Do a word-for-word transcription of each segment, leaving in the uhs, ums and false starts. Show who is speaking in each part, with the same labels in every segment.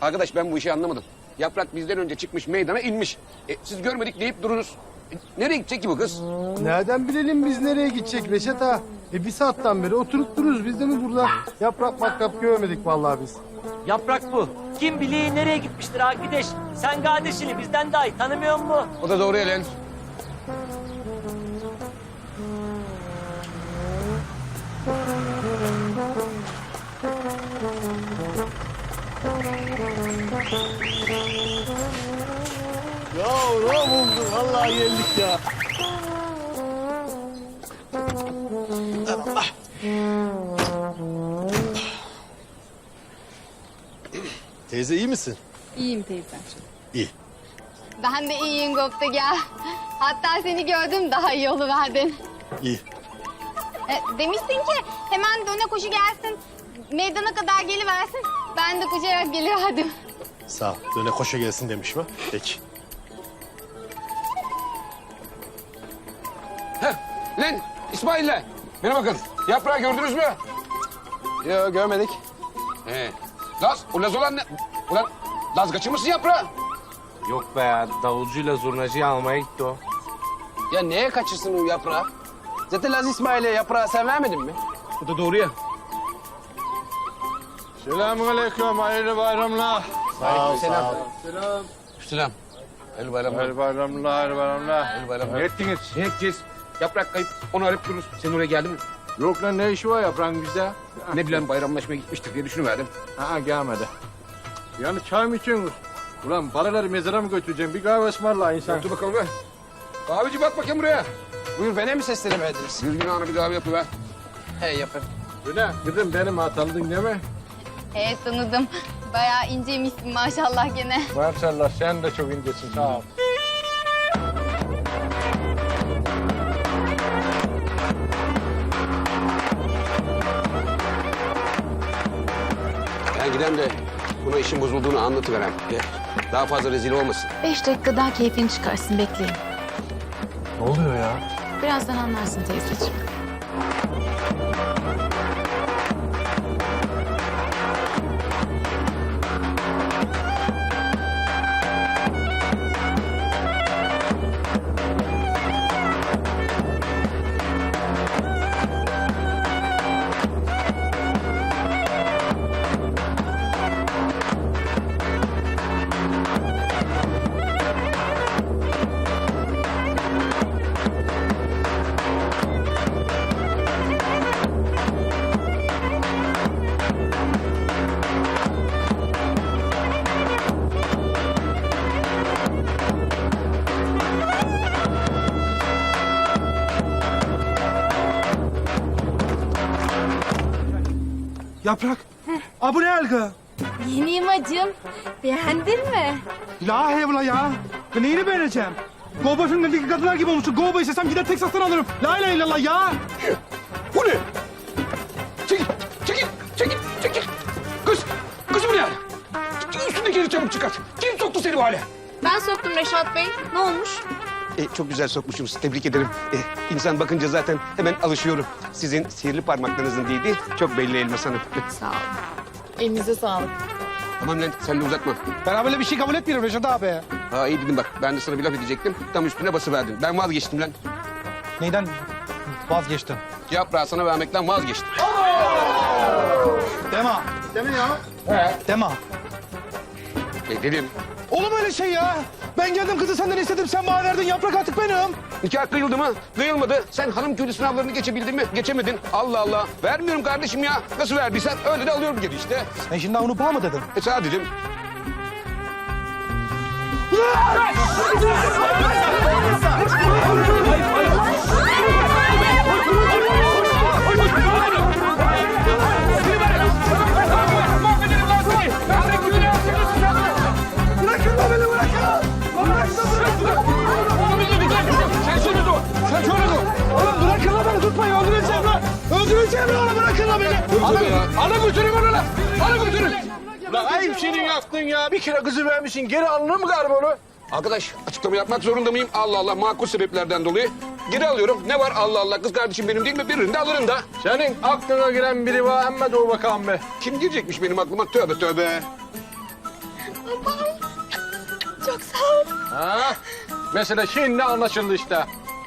Speaker 1: Arkadaş ben bu işi anlamadım. Yaprak bizden önce çıkmış meydana inmiş. E, siz görmedik deyip dururuz. E, nereye gidecek ki bu kız?
Speaker 2: Nereden bilelim biz nereye gidecek Reşat ağa? E bir saatten beri oturup dururuz biz de mi burada? Yaprak matkap görmedik vallahi biz.
Speaker 3: Yaprak bu. Kim bilir nereye gitmiştir arkadaş. Sen kardeşini bizden daha iyi tanımıyor musun?
Speaker 1: O da doğru Elen.
Speaker 2: Ya ne bulduk? Vallahi geldik ya. Teyze iyi misin?
Speaker 4: İyiyim teyze.
Speaker 2: İyi.
Speaker 4: Ben de iyiyim Goptek ya. Hatta seni gördüm daha iyi oluverdin.
Speaker 2: İyi.
Speaker 4: E, demiştin ki hemen döne koşu gelsin. Meydana kadar geliversin. Ben de koşarak geliverdim.
Speaker 2: Sağ ol. Döne koşa gelsin demiş mi? Peki.
Speaker 1: Heh, lan İsmail'le. Bana bakın. Yaprağı gördünüz mü?
Speaker 2: Yok görmedik.
Speaker 1: He. Laz, o Laz olan ne? Ulan Laz kaçırmışsın yaprağı.
Speaker 5: Yok be ya, davulcuyla zurnacıyı almaya gitti o.
Speaker 6: Ya neye kaçırsın o yaprağı? Zaten Laz İsmail'e yaprağı sen vermedin mi?
Speaker 1: O da doğru ya.
Speaker 2: Selamünaleyküm. Hayırlı bayramlar.
Speaker 6: Sağ ol, selam.
Speaker 1: Selam. Hayırlı bayramlar.
Speaker 2: Hayırlı bayramlar. Hayırlı bayramlar.
Speaker 1: Hayırlı bayramlar.
Speaker 2: Ne ettiniz?
Speaker 1: Ne edeceğiz? Yaprak kayıp. Onu arayıp dururuz. Sen oraya geldin mi?
Speaker 2: Yok lan ne işi var yaprağın bizde?
Speaker 1: Ne bileyim bayramlaşmaya gitmiştir diye düşünüverdim.
Speaker 2: Ha gelmedi. Yani çay mı içiyorsunuz? Ulan paraları mezara mı götüreceğim? Bir kahve ısmarla insan.
Speaker 1: Dur bakalım be. Kahveci bak bakayım buraya.
Speaker 6: Buyur bana mi seslenemediniz?
Speaker 1: Düzgün ana bir kahve yapıver.
Speaker 6: He yapın.
Speaker 2: Öyle kızım benim ha tanıdın değil mi?
Speaker 4: Evet tanıdım. Bayağı inceymişsin maşallah gene.
Speaker 2: Maşallah sen de çok incesin sağ ol.
Speaker 1: Ben gidem de buna işin bozulduğunu anlatıverem. Ya, daha fazla rezil olmasın.
Speaker 7: Beş dakika daha keyfini çıkarsın, bekleyin.
Speaker 2: Ne oluyor ya?
Speaker 7: Birazdan anlarsın teyzeciğim.
Speaker 8: Yaprak. Aa, bu ne algı?
Speaker 4: Yeniyim acım. Beğendin mi?
Speaker 8: La hevla ya. Ben neyini beğeneceğim? Kovboy filmlerindeki kadınlar gibi olmuşsun. Kovboy istesem gider Texas'tan alırım. La ilahe illallah ya.
Speaker 1: Bu ne? Çekil, çekil, çekil, çekil. Kız, kız bu ne hal? Üstündekileri çabuk çıkart. Kim soktu seni bu hale?
Speaker 7: Ben soktum Reşat Bey. Ne olmuş?
Speaker 1: E, çok güzel sokmuşsunuz. Tebrik ederim. E, insan bakınca zaten hemen alışıyorum. Sizin sihirli parmaklarınızın değdi. Çok belli Elmas Hanım.
Speaker 7: Sağ olun. Elinize sağlık.
Speaker 1: Tamam lan sen de uzatma.
Speaker 8: Ben böyle bir şey kabul etmiyorum Reşat abi.
Speaker 1: Ha iyi dedim bak. Ben de sana bir laf edecektim. Tam üstüne basıverdin. Ben vazgeçtim lan.
Speaker 8: Neyden vazgeçtin?
Speaker 1: Yaprağı sana vermekten vazgeçtim.
Speaker 8: Dema. Deme ya. He. Dema.
Speaker 1: E, dedim.
Speaker 8: Olur mu öyle şey ya? Ben geldim kızı senden istedim. Sen bana verdin. Yaprak artık benim.
Speaker 1: Nikah kıyıldı mı? Kıyılmadı. Sen hanım köylü sınavlarını geçebildin mi? Geçemedin. Allah Allah. Vermiyorum kardeşim ya. Nasıl verdiysen öyle de alıyorum geri işte.
Speaker 8: Sen şimdi onu bağ mı dedin?
Speaker 1: E sana dedim.
Speaker 8: Bırakın lan beni bırakın.
Speaker 1: Sen şunu dur. Sen şunu dur.
Speaker 8: Oğlum bırakın lan beni tutmayın. Öldüreceğim lan. Öldüreceğim lan onu. Bırakın lan beni.
Speaker 1: Alın, alın götürün onu lan. Alın götürün.
Speaker 2: Lan ayıp senin yaptın ya. Bir kere kızı vermişsin. Geri alınır mı galiba onu?
Speaker 1: Arkadaş açıklama yapmak zorunda mıyım? Allah Allah makul sebeplerden dolayı. Geri alıyorum. Ne var Allah Allah kız kardeşim benim değil mi? Birini de alırım da.
Speaker 2: Senin aklına giren biri var ama dur bakalım be.
Speaker 1: Kim girecekmiş benim aklıma? Tövbe tövbe.
Speaker 4: Çok sağ ol.
Speaker 6: Ha? Mesele şimdi anlaşıldı işte.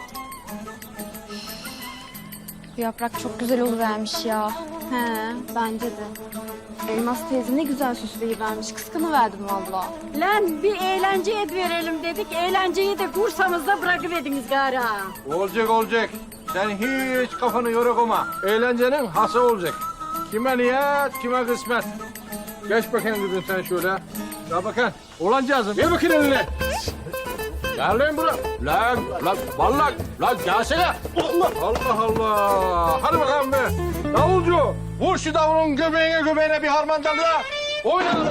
Speaker 4: Bu yaprak çok güzel oluvermiş ya. He, bence de. Elmas teyze ne güzel süsleyivermiş. Kıskanıverdim valla.
Speaker 9: Lan bir eğlence et verelim dedik. Eğlenceyi de kursamızda bırakıverdiniz gari ha.
Speaker 6: Olacak olacak. Sen hiç kafanı yorukma. Eğlencenin hası olacak. Kime niyet, kime kısmet. Geç bakayım kızım sen şöyle. Gel bakayım. Olancağızım. Ver bakayım eline. Gel lan buraya. Lan, lan, vallahi, lan gelsene. Allah, Allah, Allah. Hadi bakalım be. Davulcu, vur şu davulun göbeğine göbeğine bir harmandalı. Oynayalım.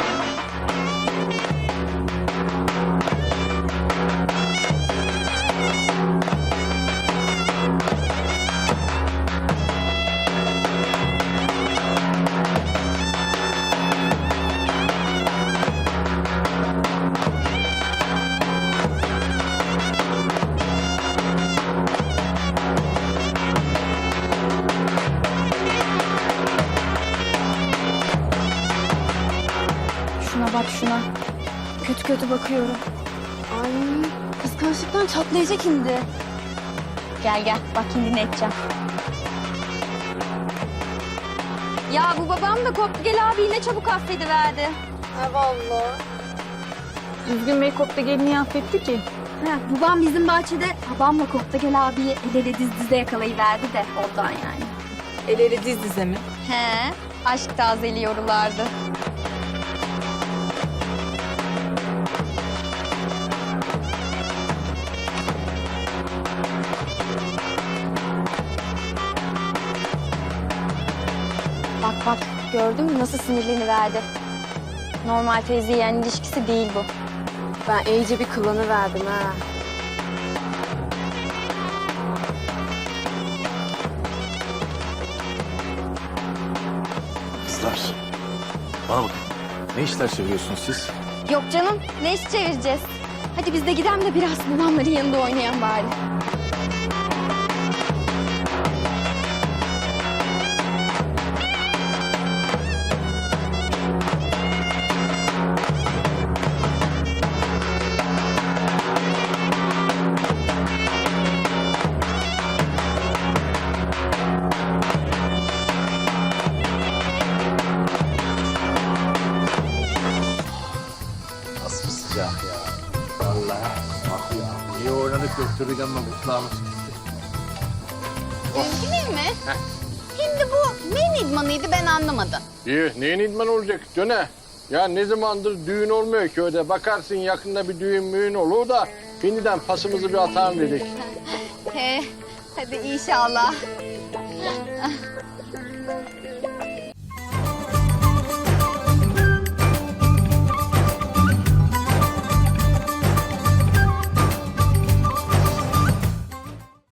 Speaker 4: Şuna bak şuna. Kötü kötü bakıyorum. Ay kıskançlıktan çatlayacak şimdi. Gel gel bak şimdi ne edeceğim. Ya bu babam da koptu gel abi ne çabuk affediverdi. Ha vallahi.
Speaker 7: Düzgün Bey kopta gelini affetti ki.
Speaker 4: Ha, babam bizim bahçede babamla Koptagel abiyi el ele diz dize yakalayıverdi de ondan yani.
Speaker 7: El ele diz dize mi?
Speaker 4: He, aşk tazeliyorlardı. Bak bak, gördün mü nasıl sinirleniverdi? Normal teyze yeğen ilişkisi değil bu. Ben iyice bir kılanı verdim ha.
Speaker 10: Kızlar, bana bakın. Ne işler çeviriyorsunuz siz?
Speaker 4: Yok canım, ne iş çevireceğiz? Hadi biz de gidelim de biraz babamların yanında oynayan bari.
Speaker 10: Nasıl sıcak ya. Vallahi bak ya. İyi oynadık göktürük ama mutluğumuz gitti.
Speaker 4: Üzgünüm mi? Şimdi bu neyin idmanıydı ben anlamadım.
Speaker 6: İyi, neyin idman olacak? Döne. Ya ne zamandır düğün olmuyor köyde. Bakarsın yakında bir düğün müğün olur da şimdiden pasımızı bir atalım dedik.
Speaker 4: He, hadi inşallah.